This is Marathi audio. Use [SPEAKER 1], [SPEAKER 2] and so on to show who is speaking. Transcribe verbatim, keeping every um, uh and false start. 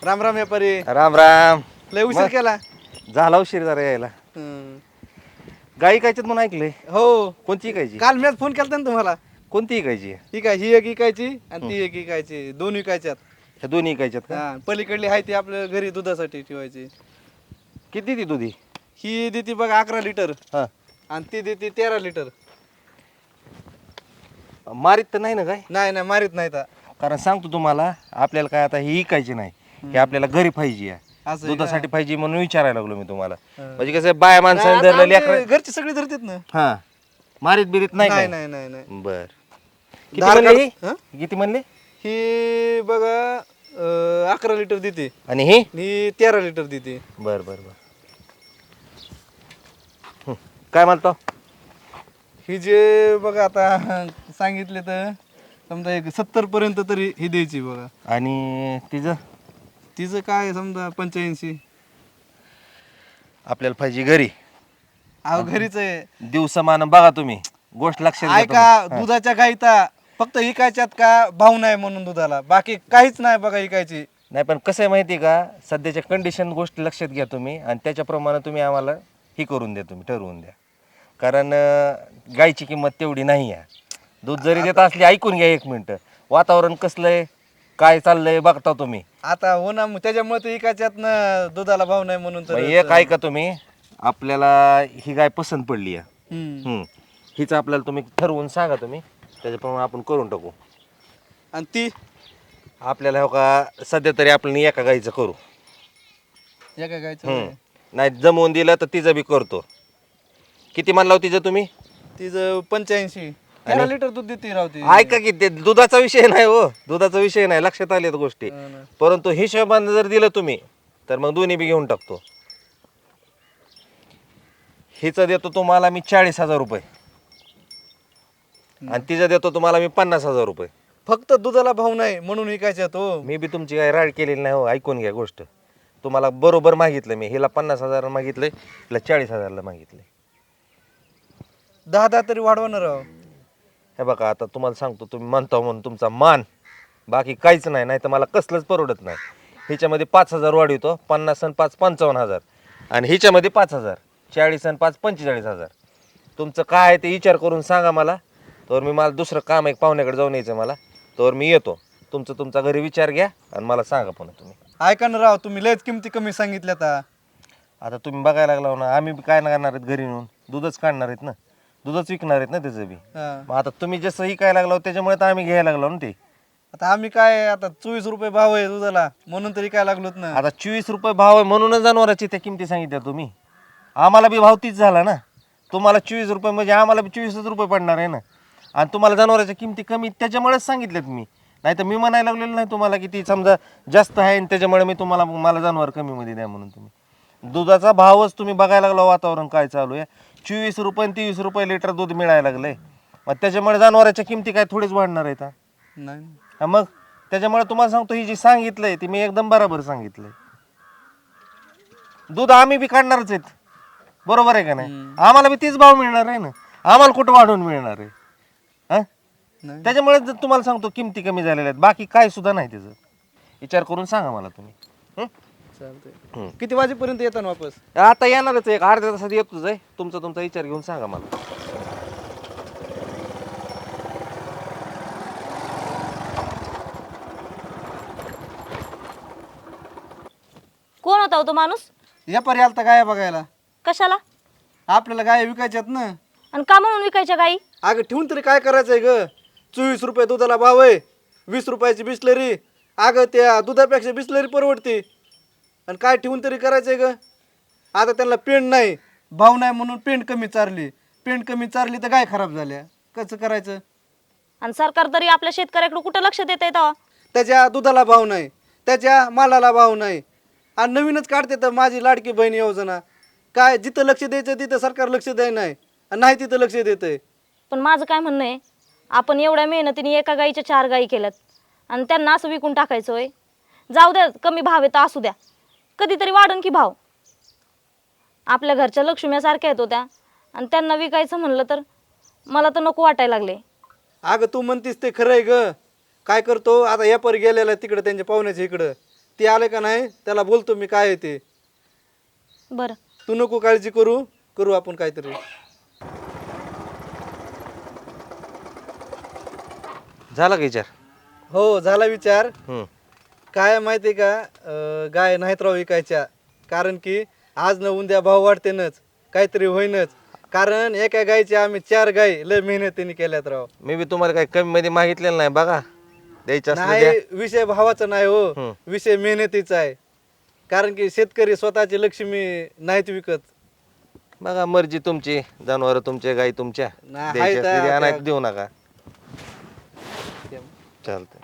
[SPEAKER 1] राम राम व्यापारी.
[SPEAKER 2] राम राम.
[SPEAKER 1] लय उशीर केला.
[SPEAKER 2] झाला उशीर जरा यायला.
[SPEAKER 1] हम्म.
[SPEAKER 2] गाई इकायच्यात म्हणून ऐकलंय.
[SPEAKER 1] हो.
[SPEAKER 2] कोणती इकायची?
[SPEAKER 1] काल मीच फोन केलता ना तुम्हाला.
[SPEAKER 2] कोणती इकायची?
[SPEAKER 1] ही काय ही एक इकायची आणि ती एक इकायची, दोन इकायच्यात.
[SPEAKER 2] ह्या दोन्ही इकायच्यात का?
[SPEAKER 1] हा, पलीकडली आहे ती आपल्या घरी दुधासाठी ठेवायची.
[SPEAKER 2] किती ती दुधी?
[SPEAKER 1] ही देते बघा अकरा लिटर
[SPEAKER 2] हा.
[SPEAKER 1] आणि ती देते तेरा लिटर.
[SPEAKER 2] मारीत तर नाही ना काय?
[SPEAKER 1] नाही नाही मारित नाही तर.
[SPEAKER 2] कारण सांगतो तुम्हाला, आपल्याला काय आता ही इकायची नाही, हे आपल्याला घरी पाहिजे आहे.
[SPEAKER 1] असं आहे
[SPEAKER 2] दुधासाठी पाहिजे म्हणून विचारायला लागलो मी तुम्हाला.
[SPEAKER 1] हा.
[SPEAKER 2] म्हणजे कसं बाया
[SPEAKER 1] का?
[SPEAKER 2] माणसाने
[SPEAKER 1] आता
[SPEAKER 2] धरलेली
[SPEAKER 1] आमचे
[SPEAKER 2] अकरा.
[SPEAKER 1] घरचे सगळे धरतात ना.
[SPEAKER 2] हा. मारीत बिरीत नाही
[SPEAKER 1] नाही
[SPEAKER 2] काय?
[SPEAKER 1] नाही नाही नाही.
[SPEAKER 2] बर. किती
[SPEAKER 1] धार
[SPEAKER 2] म्हणले ही?
[SPEAKER 1] काढ- हं?
[SPEAKER 2] किती म्हणले?
[SPEAKER 1] ही बघा अं, अकरा लिटर देते
[SPEAKER 2] आणि ही?
[SPEAKER 1] ही तेरा लिटर देते.
[SPEAKER 2] बर बर बर. हं. काय म्हणतो?
[SPEAKER 1] ही जे बघा आता सांगितले तर समजा एक सत्तर पर्यंत तरी ही द्यायची बघा.
[SPEAKER 2] आणि तिचं?
[SPEAKER 1] तिचं काय समजा पंच्याऐंशी.
[SPEAKER 2] आपल्याला पाहिजे घरी.
[SPEAKER 1] अहो घरीच आहे.
[SPEAKER 2] दिवसमान बघा तुम्ही, गोष्ट लक्षात घ्या
[SPEAKER 1] ऐका,
[SPEAKER 2] तुम्ही.
[SPEAKER 1] दुधाच्या गाईता फक्त इकायच्यात का भाव नाही म्हणून दुधाला, बाकी काहीच नाही बघा इकायची.
[SPEAKER 2] नाही पण कसं आहे माहिती आहे का, सध्याच्या कंडिशन गोष्टी लक्षात घ्या तुम्ही आणि त्याच्याप्रमाणे तुम्ही आम्हाला ही करून द्या, तुम्ही ठरवून द्या. कारण अं, गाईची किंमत तेवढी नाही आहे. दूध जरी देत असली, ऐकून घ्या एक मिनटं, वातावरण कसलं आहे, काय चाललंय बघता तुम्ही.
[SPEAKER 1] आता हो ना, मग त्याच्यामुळे तर इकायच्यात ना दुधाला भाव नाही म्हणून तर.
[SPEAKER 2] मग एक ऐका तुम्ही, आपल्याला ही गाय पसंत पडली आहे.
[SPEAKER 1] हम्म.
[SPEAKER 2] हम्म. हिचं आपल्याला तुम्ही ठरवून सांगा, तुम्ही त्याच्याप्रमाणे आपण करून टाकू.
[SPEAKER 1] आणि ती
[SPEAKER 2] आपल्याला हो का सध्या तरी आपण एका गाईचं करू.
[SPEAKER 1] एका गायचं
[SPEAKER 2] हम्म. नाही जमवून दिलं तर तिचं बी करतो. किती म्हणला हो तिचं तुम्ही?
[SPEAKER 1] तिचं पंच्याऐंशी. तेरा लिटर दूध देते राहते.
[SPEAKER 2] ऐका की, ते दुधाचा विषय नाही हो, दुधाचा विषय नाही, लक्षात आलेत गोष्टी. परंतु हिशोबाने जर दिलं तुम्ही तर मग दोन्ही बी घेऊन टाकतो. हिचं देतो तुम्हाला मी चाळीस हजार रुपये आणि तिचं देतो तुम्हाला मी पन्नास हजार रुपये.
[SPEAKER 1] फक्त दुधाला भाव नाही म्हणून इकायच्यात हो.
[SPEAKER 2] मी बी तुमची काही राड केलेली नाही हो, ऐकून घ्या गोष्ट. तुम्हाला बरोबर मागितलं मी, हिला पन्नास हजार मागितलंय, हिला चाळीस हजारला मागितलंय.
[SPEAKER 1] दहा दहा तरी वाढवणार राव.
[SPEAKER 2] हे बघा, आता तुम्हाला सांगतो, तुम्ही म्हणता म्हणून तुमचा मान, बाकी काहीच नाही, नाही तर मला कसलंच परवडत नाही. हिच्यामध्ये पाच हजार वाढवतो, पन्नास आणि पाच पंचावन्न हजार, आणि हिच्यामध्ये पाच हजार, चाळीस आणि पाच पंचेचाळीस हजार. तुमचं काय आहे ते विचार करून सांगा मला, तर मी मला दुसरं काम एक पाहुण्याकडे जाऊन यायचं मला, तर मी येतो. तुमचं तुमचा घरी विचार घ्या आणि मला सांगा पुन्हा तुम्ही.
[SPEAKER 1] ऐका ना राव, तुम्ही लयच किमती कमी सांगितल्या आता.
[SPEAKER 2] आता तुम्ही बघायला लागला ना, आम्ही बी काय नाही करणार आहेत घरी नेऊन, दूधच काढणार आहेत ना, दूधच विकणार आहेत ना त्याचं बी.
[SPEAKER 1] हा.
[SPEAKER 2] मग आता तुम्ही जसं ही काय लागलो त्याच्यामुळे तर आम्ही घ्यायला लागलो ना ते.
[SPEAKER 1] आता आम्ही काय आता चोवीस रुपये भाव आहे दुधाला म्हणून तरी काय लागलोत ना.
[SPEAKER 2] आता चोवीस रुपये भाव आहे म्हणूनच जनावरांची त्या किमती सांगितल्या तुम्ही. आम्हाला बी भाव तीच झाला ना, तुम्हाला चोवीस रुपये म्हणजे आम्हाला बी चोवीसच रुपये पडणार आहे ना, आणि तुम्हाला जनावरांच्या किमती कमी त्याच्यामुळेच सांगितल्यात मी. नाही तर मी म्हणायला लागलेलं नाही तुम्हाला की ती समजा जास्त आहे आणि त्याच्यामुळे मी तुम्हाला मला जनावर कमीमध्ये द्या म्हणून. तुम्ही दुधाचा भावच तुम्ही बघायला लागला, वातावरण काय चालू आहे, चोवीस रुपये आणि तेवीस रुपये लिटर दूध मिळायला लागलंय. मग त्याच्यामुळे जनावरांच्या किमती काय थोडीच वाढणार आहेत?
[SPEAKER 1] नाही.
[SPEAKER 2] हा मग त्याच्यामुळे तुम्हाला सांगतो, ही जी सांगितलंय ती मी एकदम बरोबर सांगितलंय. दूध आम्ही बी काढणारच आहेत, बरोबर आहे का नाही? आम्हाला बी तीच भाव मिळणार आहे ना, आम्हाला कुठं वाढवून मिळणार आहे? हा,
[SPEAKER 1] नाही.
[SPEAKER 2] त्याच्यामुळे तुम्हाला सांगतो किमती कमी झालेल्या आहेत, बाकी काय सुद्धा नाही. त्याचं विचार करून सांगा मला तुम्ही. हं?
[SPEAKER 1] चालतंय. किती वाजेपर्यंत येतात वापस?
[SPEAKER 2] आता येणारच आहे, एक अर्ध्या तासात येतोच आहे. तुमचा तुमचा विचार घेऊन सांगा मला.
[SPEAKER 3] कोण होता हो तो माणूस?
[SPEAKER 1] व्यापारी आलता गाय बघायला.
[SPEAKER 3] कशाला
[SPEAKER 1] आपल्याला गाय विकायच्यात ना.
[SPEAKER 3] आणि का म्हणून विकायच्या गाई?
[SPEAKER 1] अगं ठेवून तरी काय करायचंय ग? चोवीस रुपये दुधाला भाव आहे, वीस रुपयाची बिस्लरी. अगं त्या दुधापेक्षा बिस्लरी परवडते, आणि काय ठेवून तरी करायचंय ग? आता त्यांना पेंड नाही, भाव नाही म्हणून पेंड कमी चारली, पेंड कमी चारली तर गाय खराब झाल्या. कसं करायचं?
[SPEAKER 3] आणि सरकार तरी आपल्या शेतकऱ्याकडे कुठं लक्ष देत आहे?
[SPEAKER 1] त्याच्या दुधाला भाव नाही, त्याच्या मालाला भाव नाही, आणि नवीनच काढते तर माझी लाडकी बहीण योजना. काय जिथं लक्ष द्यायचं तिथं सरकार लक्ष द्याय नाही, आणि नाही तिथं लक्ष देतंय.
[SPEAKER 3] पण माझं काय म्हणणं आहे, आपण एवढ्या मेहनतीने एका गाईच्या चार गाई केल्यात आणि त्यांना असं विकून टाकायचं होय? जाऊ द्या, कमी भाव आहे तर असू द्या, कधीतरी वाढन की भाव. आपल्या घरच्या लक्ष्म्यासारख्या आहेत होत्या, आणि त्यांना विकायचं म्हणलं तर मला तर नको वाटायला लागले.
[SPEAKER 1] अगं तू म्हणतीस ते खरं आहे ग. काय करतो आता, यापर गेलेला तिकडं त्यांच्या पाहुण्याच्या इकडं, ते आले का नाही त्याला बोलतो मी काय आहे ते.
[SPEAKER 3] बरं
[SPEAKER 1] तू नको काळजी करू, करू आपण काहीतरी.
[SPEAKER 2] झाला का विचार?
[SPEAKER 1] हो झाला विचार.
[SPEAKER 2] हम्म.
[SPEAKER 1] काय माहिती आहे का, अं, गाय नाहीत राव विकायच्या. कारण की आज न उद्या भाव वाढतेनच, काहीतरी होईनच. कारण एका गायचे आम्ही चार गाय लय मेहनतीने केल्यात राव.
[SPEAKER 2] मी बी तुम्हाला काही कमी मध्ये मागितलेलं नाही बघा, द्यायचं असलं द्या.
[SPEAKER 1] नाही विषय भावाचा नाही हो,
[SPEAKER 2] हम्म.
[SPEAKER 1] विषय मेहनतीचा आहे. कारण की शेतकरी स्वतःची लक्ष्मी नाहीत विकत.
[SPEAKER 2] बघा मर्जी तुमची, जनावर तुमचे, गाई तुमच्या,
[SPEAKER 1] नाही,
[SPEAKER 2] द्यायची
[SPEAKER 1] हाय
[SPEAKER 2] असली द्या,
[SPEAKER 1] त्या-
[SPEAKER 2] नाही तर देऊ नका. चालतंय.